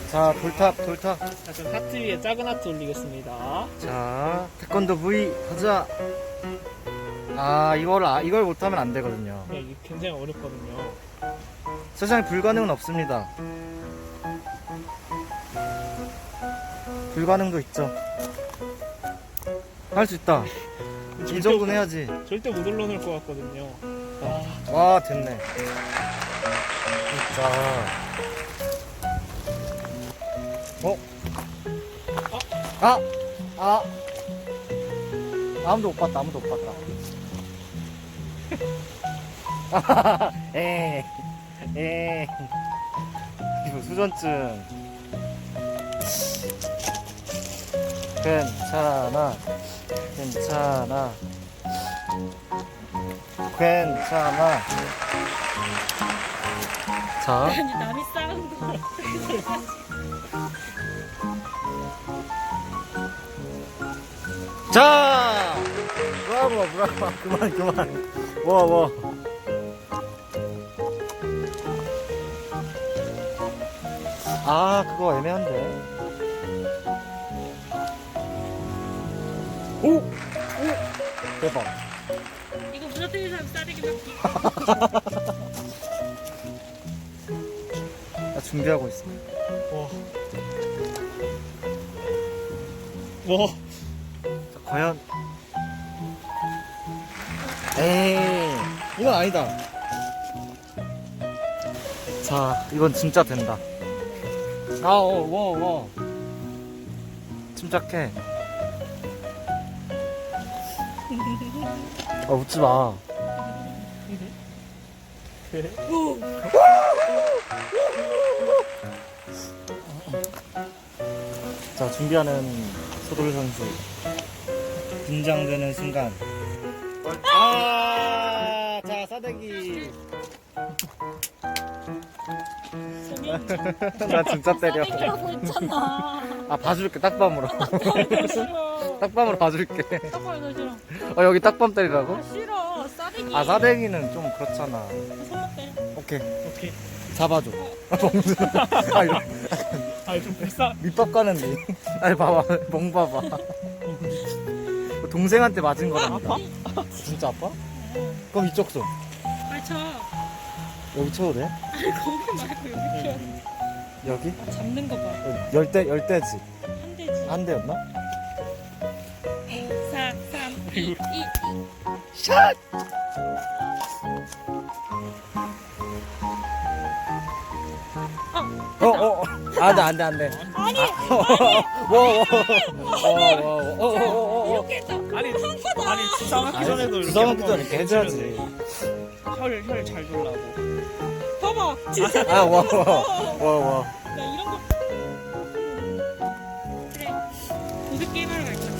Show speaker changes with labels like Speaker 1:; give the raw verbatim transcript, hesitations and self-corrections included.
Speaker 1: 자, 돌탑, 돌탑.
Speaker 2: 자, 전 하트 위에 작은 하트 올리겠습니다.
Speaker 1: 자, 태권도 V 가자. 아, 이걸, 아, 이걸 못하면 안 되거든요.
Speaker 2: 네, 이게 굉장히 어렵거든요.
Speaker 1: 세상에 불가능은 없습니다. 불가능도 있죠. 할 수 있다. 이 정도는 해야지.
Speaker 2: 절대 못 올려놓을 것 같거든요. 아,
Speaker 1: 와, 됐네. 진짜. 어? 아! 아! 아무도 못 봤다, 아무도 못 봤다. 에이, 에이. 이거 수전증. 괜찮아, 괜찮아, 괜찮아. 자,
Speaker 3: 아니 남이 싸운 거.
Speaker 1: 자! 브라보, 브라보. 그만, 그만. 와, 와. 아, 그거 애매한데. 오! 오! 대박.
Speaker 3: 이거 무너뜨린 사람 싸대기 맞기.
Speaker 1: 나 준비하고 있어.
Speaker 2: 와. 와.
Speaker 1: 자, 과연. 에이, 이건 아니다. 자, 이건 진짜 된다. 아, 어, 와, 와. 침착해. 아, 웃지 마. 자, 준비하는 소돌 선수. 긴장되는 순간. 아, 자, 싸대기. 나 진짜 때려.
Speaker 3: 싸대기라고 했잖아.
Speaker 1: 아, 봐줄게, 딱밤으로.
Speaker 3: 더 싫어.
Speaker 1: 딱밤으로 봐줄게.
Speaker 3: 떡발 더 싫어.
Speaker 1: 어, 여기 딱밤 때리라고?
Speaker 3: 아, 싫어. 싸대기.
Speaker 1: 아, 사대기는 좀 그렇잖아.
Speaker 3: 손목 때려.
Speaker 1: 오케이.
Speaker 2: 오케이.
Speaker 1: 잡아줘. 멍들. 아, 이거
Speaker 2: 아, 좀 불쌍.
Speaker 1: 밑밥 가는데. 아니, 봐봐. 멍 봐봐. 동생한테 맞은 거랍니다.
Speaker 2: 아파?
Speaker 1: 진짜 아파? 그럼 이쪽 손.
Speaker 3: 아, 쳐.
Speaker 1: 여기 쳐도 돼?
Speaker 3: 아니, 거기 말고 여기 쳐야 돼.
Speaker 1: 여기?
Speaker 3: 아, 잡는 거 봐.
Speaker 1: 열대, 열대지.
Speaker 3: 한 대지.
Speaker 1: 한 대였나?
Speaker 3: 사, 삼, 이, 이, 이.
Speaker 1: 샷! 어, 어, 어. 안 돼, 안 돼, 안 돼.
Speaker 3: 아니,
Speaker 1: 워, 워, 워, 워, 워, 워.
Speaker 3: 이렇게 해서
Speaker 2: 아니,
Speaker 3: 한 거다.
Speaker 2: 아니, 주상하기 전에도 이렇게.
Speaker 1: 주상하기
Speaker 2: 한번
Speaker 1: 전에 이렇게 해줘야지.
Speaker 2: 혈, 혈 잘 돌라고.
Speaker 3: 봐봐. 진짜.
Speaker 1: 아, 와, 와, 와, 와.
Speaker 3: 야, 이런 거. 그래. 보드 게임 하러 갈 거야.